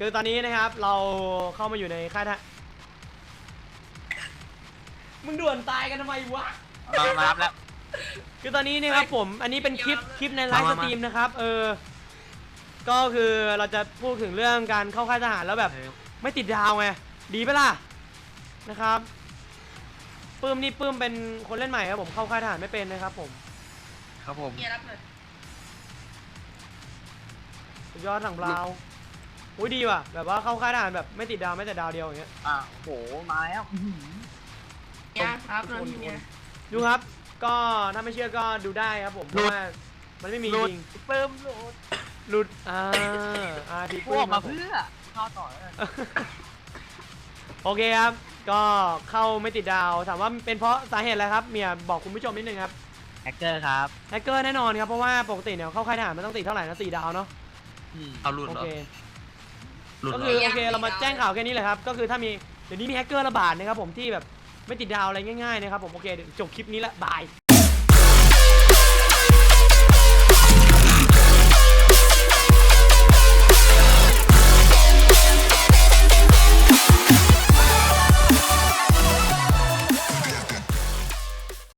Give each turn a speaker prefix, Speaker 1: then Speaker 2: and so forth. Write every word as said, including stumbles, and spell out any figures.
Speaker 1: คือตอนนี้นะครับเราเข้ามาอยู่ในค่ายทหารมึงด่วนตายกันทำไมวะ
Speaker 2: มามารับแล้ว
Speaker 1: คือตอนนี้นะครับผมอันนี้เป็นคลิปคลิปในไลฟ์สตรีมนะครับเออก็คือเราจะพูดถึงเรื่องการเข้าค่ายทหารแล้วแบบไม่ติดดาวไงดีปะล่ะนะครับปื้มนี่ปื้มเป็นคนเล่นใหม่ครับผมเข้าค่ายทหารไม่เป็นนะครับผม
Speaker 2: ครับผม
Speaker 3: เมียรับเลย
Speaker 1: สุดยอดถังบราวน์อุ้ยดีว่ะแบบว่าเข้าค่ายทหารแบบไม่ติดดาวไม่แต่ดาวเดียวอย่างเงี้ย
Speaker 2: อ่ะโหมาแล้ว
Speaker 3: เมียครับนอนที่เมีย
Speaker 1: ดูครับก็ถ้าไม่เชื่อก็ดูได้ครับผมเพราะว่ามันไม่มีจริง
Speaker 2: เพิ่มโหลด
Speaker 1: หลุดอ่าอ่าที
Speaker 2: พ
Speaker 1: ปื้
Speaker 2: วก
Speaker 1: ม
Speaker 2: มาเพื่อเข้าต่อเลย
Speaker 1: โอเคครับก็เข้าไม่ติดดาวถามว่าเป็นเพราะสาเหตุอะไรครับเมียบอกคุณผู้ชมนิดนึงครับ
Speaker 2: แฮกเกอร์ครับ
Speaker 1: แฮกเกอร์แน่นอนครับเพราะว่าปกติเนี่ยเข้าค่ายทหารมันต้องติดเท่าไหร่นะสี่ดาวเนาะ
Speaker 2: เอาหลุด
Speaker 1: โอ
Speaker 2: เหรอ
Speaker 1: เค
Speaker 2: หลุด
Speaker 1: ก็
Speaker 2: เหร
Speaker 1: คือ
Speaker 2: อ
Speaker 1: โอเคเรามาแจ้งข่าวแค่นี้เลยครับก็คือถ้ามีเดี๋ยวนี้มีแฮกเกอร์ระบาดนะครับผมที่แบบไม่ติดดาวอะไรง่ายๆนะครับผมโอเคเดี๋ยวจบคลิปนี้ละบาย